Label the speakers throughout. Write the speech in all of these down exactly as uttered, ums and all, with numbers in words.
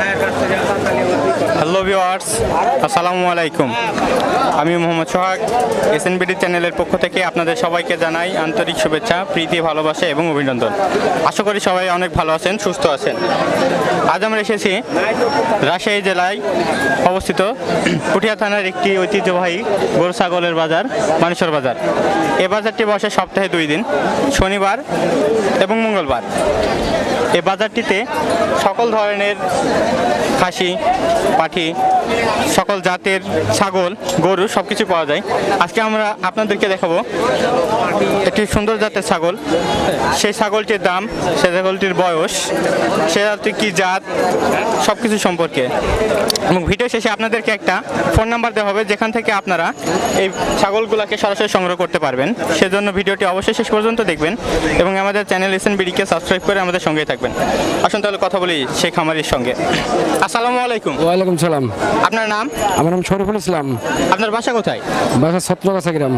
Speaker 1: Hello viewers, আসসালামু আলাইকুম। আমি মোহাম্মদ সোহাগ, এসএনবিডি চ্যানেলের পক্ষ থেকে আপনাদের সবাইকে জানাই আন্তরিক শুভেচ্ছা, প্রীতি, ভালোবাসা এবং অভিনন্দন। আশা করি সবাই অনেক ভালো আছেন, সুস্থ আছেন। আজ আমরা এসেছি রাজশাহী জেলায় অবস্থিত পুঠিয়া থানার একটি ঐতিহ্যবাহী গরু ছাগলের বাজার, মানেশ্বর বাজার। এই বাজারটি বসে সপ্তাহে দুই দিন, শনিবার এবং মঙ্গলবার। এই বাজারটিতে সকল ধরনের খাসি, পাঠি, সকল জাতের ছাগল, গরু সব কিছু পাওয়া যায়। আজকে আমরা আপনাদেরকে দেখাবো একটি সুন্দর জাতের ছাগল, সেই ছাগলটির দাম, সেই ছাগলটির বয়স, সে কী জাত, সব কিছু সম্পর্কে। এবং ভিডিও শেষে আপনাদেরকে একটা ফোন নাম্বার দেওয়া হবে, যেখান থেকে আপনারা এই ছাগলগুলোকে সরাসরি সংগ্রহ করতে পারবেন। সেজন্য ভিডিওটি অবশ্যই শেষ পর্যন্ত দেখবেন এবং আমাদের চ্যানেল এসএনবিডিকে সাবস্ক্রাইব করে আমাদের সঙ্গেই থাকবেন। আসুন তাহলে কথা বলি সেই খামারির সঙ্গে। আসসালামু আলাইকুম।
Speaker 2: ওয়ালাইকুম সালাম।
Speaker 1: আপনার নাম?
Speaker 2: আমার নাম শরীফুল ইসলাম।
Speaker 1: আপনার বাসা কোথায়?
Speaker 2: বাসা ছত্রগাছা গ্রাম।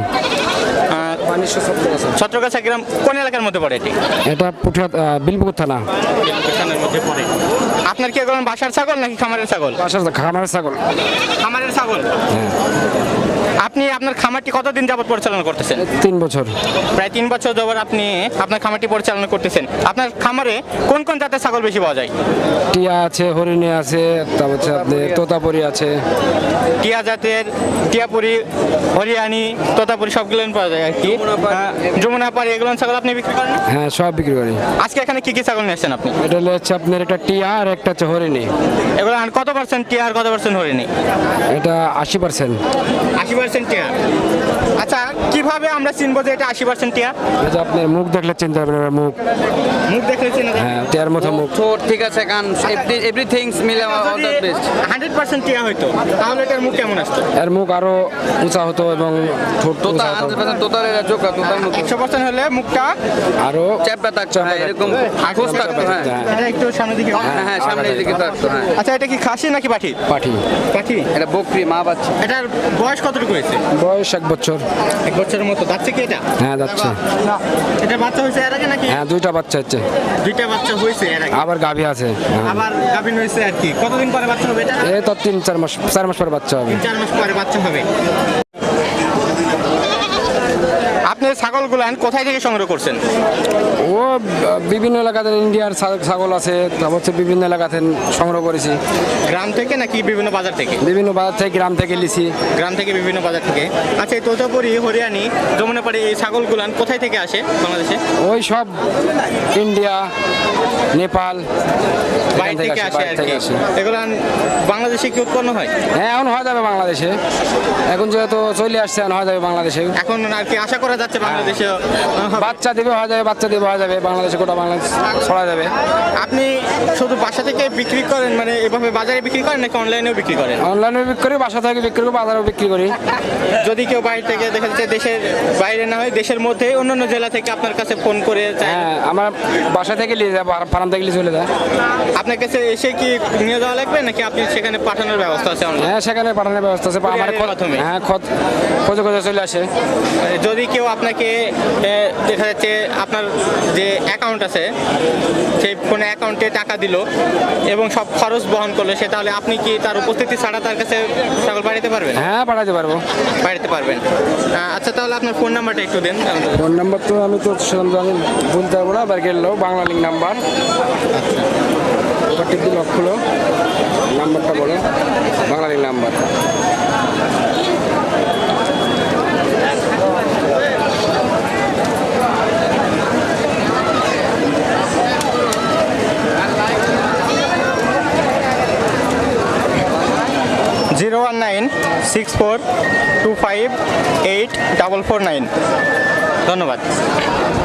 Speaker 1: ছত্রগাছা গ্রাম কোন এলাকার মধ্যে পড়ে এটি?
Speaker 2: এটা পুঠিয়া বিলপুকুর থানা।
Speaker 1: মধ্যে পড়ে। আপনার কি এখন বাসার ছাগল নাকি খামারের ছাগল?
Speaker 2: বাসার খামারের ছাগল।
Speaker 1: খামারের ছাগল। আপনি আপনার খামারটি কতদিন যাবত পরিচালনা করতেছেন?
Speaker 2: তিন বছর।
Speaker 1: প্রায় তিন বছর যাবত আপনি আপনার খামারটি পরিচালনা করতেছেন। আপনার খামারে কোন কোন জাতের ছাগল বেশি পাওয়া যায়?
Speaker 2: টিয়া আছে, হরিণী আছে, তারপর হচ্ছে আপনার তোতাপুরি আছে।
Speaker 1: টিয়া জাতের, টিয়াপুরি, হরিয়ানি, তোতাপুরি সবগুলো পাওয়া যায় আর কি। যমুনাপাড়ি এগুলো ছাগল আপনি বিক্রি করেন?
Speaker 2: হ্যাঁ, সব বিক্রি করি।
Speaker 1: আজকে এখানে কি কি ছাগল নিয়েছেন আপনি?
Speaker 2: এটা হচ্ছে আপনার একটা টিয়া আর একটা হচ্ছে হরিণী।
Speaker 1: এগুলো কত পার্সেন্ট টিয়া আর কত পার্সেন্ট হরিণী?
Speaker 2: এটা আশি পার্সেন্ট।
Speaker 1: আশি পার্সেন্ট টিয়া। আচ্ছা, কিভাবে আমরা চিনবো যে এটা আশি পার্সেন্ট টিয়া?
Speaker 2: এটা আপনার মুখ দেখলে চিনতে পারবেন। মুখ
Speaker 1: মুখ দেখলে চিনা যায়?
Speaker 2: হ্যাঁ, টিয়ার মতো মুখ।
Speaker 3: ঠোঁট ঠিক আছে, কান, এভরিথিংস মিলে all the best.
Speaker 1: Hundred percent টিয়া হইতো তাহলে এটার মুখ কেমন আসতো?
Speaker 2: এর মুখ আরো উঁচা হতো এবং ঠোঁট
Speaker 3: তোতা
Speaker 2: উঁচা হতো।
Speaker 3: হান্ড্রেড পার্সেন্ট তোতার এর চোখ তোতার মতো
Speaker 1: একশো পার্সেন্ট হলে মুখটা
Speaker 2: আরো
Speaker 3: চ্যাপটা থাকতো, হ্যাঁ, এরকম খোঁজ থাকতো। হ্যাঁ
Speaker 1: এটা একটু সামনের দিকে।
Speaker 3: হ্যাঁ হ্যাঁ, সামনের দিকে থাকতো। হ্যাঁ,
Speaker 1: আচ্ছা, এটা কি খাসি নাকি পাঠি?
Speaker 2: পাঠি।
Speaker 1: পাঠি।
Speaker 3: এটা বকরি মা বাচ্চা।
Speaker 1: এটার বয়স কতটুকু হয়েছে?
Speaker 2: বয়স এক বছর।
Speaker 1: এক বছরের মতো। যাচ্ছে কি এটা?
Speaker 2: হ্যাঁ, যাচ্ছে।
Speaker 1: এটা বাচ্চা হয়েছে এর আগে নাকি?
Speaker 2: হ্যাঁ, দুইটা বাচ্চা হচ্ছে।
Speaker 1: দুইটা বাচ্চা হয়েছে এর আগে।
Speaker 2: আবার গাভী আছে। হ্যাঁ।
Speaker 1: আবার গাভিন হয়েছে আর কি। কতদিন পরে বাচ্চা হবে এটা?
Speaker 2: এই তো তিন চার মাস চার মাস পরে বাচ্চা হবে।
Speaker 1: চার মাস পরে বাচ্চা হবে। আপনি ছাগলগুলো কোথায় থেকে সংগ্রহ করছেন?
Speaker 2: ও বিভিন্ন এলাকাতে ইন্ডিয়ার ছাগল আছে, তারপর হচ্ছে বিভিন্ন এলাকাতে সংগ্রহ করেছি।
Speaker 1: গ্রাম থেকে নাকি বিভিন্ন বাজার থেকে?
Speaker 2: বিভিন্ন বাজার থেকে, গ্রাম থেকে লিছি।
Speaker 1: গ্রাম থেকে বিভিন্ন বাজার থেকে। আচ্ছা, এই তোতাপুরি, হরিয়ানি, যমুনাপাড়ি এই ছাগলগুলান কোথায় থেকে আসে বাংলাদেশে?
Speaker 2: ওই সব ইন্ডিয়া, নেপাল,
Speaker 1: বাইরে থেকে আসে আর কি। এগুলান বাংলাদেশে কি উৎপন্ন হয়?
Speaker 2: হ্যাঁ, এখন হয়ে যাবে বাংলাদেশে। এখন যেহেতু চলে আসছে, এখন হয়ে যাবে বাংলাদেশে।
Speaker 1: এখন আর কি আশা করা যাচ্ছে বাংলাদেশে
Speaker 2: বাচ্চা দেবে হয়ে যাবে, বাচ্চা দেবে হয়ে যাবে, বাংলাদেশে গোটা বাংলাদেশ ছড়া যাবে।
Speaker 1: আপনি শুধু বাসা থেকে বিক্রি করেন, মানে এভাবে বাজারে বিক্রি করেন নাকি অনলাইনেও বিক্রি করেন?
Speaker 2: অনলাইনে বিক্রি করি, বাসা থেকে বিক্রি করি, বাজারেও বিক্রি করি।
Speaker 1: যদি কেউ বাইরে থেকে দেখা যাচ্ছে, দেশের বাইরে না হয় দেশের মধ্যে অন্যান্য জেলা থেকে আপনার কাছে ফোন করে চায়,
Speaker 2: হ্যাঁ, আমার বাসা থেকে নিয়ে যায়, ফার্ম থেকে নিয়ে চলে যায়।
Speaker 1: আপনার কাছে এসে কি নিয়ে যাওয়া লাগবে নাকি আপনি সেখানে পাঠানোর ব্যবস্থা আছে?
Speaker 2: হ্যাঁ, সেখানে পাঠানোর ব্যবস্থা আছে। আমার
Speaker 1: মাধ্যমে?
Speaker 2: হ্যাঁ, খোঁজে খোঁজে চলে আসে।
Speaker 1: যদি কেউ আপনাকে দেখা যাচ্ছে আপনার যে অ্যাকাউন্ট আছে সেই ফোনে অ্যাকাউন্টে টাকা দিল এবং সব খরচ বহন করলো, সে তাহলে আপনি কি তার উপস্থিতি ছাড়া তার কাছে ছাগল পাঠাতে পারবেন?
Speaker 2: হ্যাঁ, পাঠাতে পারবো।
Speaker 1: পাঠাতে পারবেন। আচ্ছা, তাহলে আপনার ফোন নাম্বারটা একটু দেন।
Speaker 2: ফোন নাম্বার তো আমি তো সেরকম আমি বলতে পারবো না, এবার গেল বাংলা লিঙ্ক নাম্বার। ওটা টিপি লক হলো, নাম্বারটা বলো, Bangla link number.
Speaker 1: Zero one nine six four two five eight double four nine. ধন্যবাদ।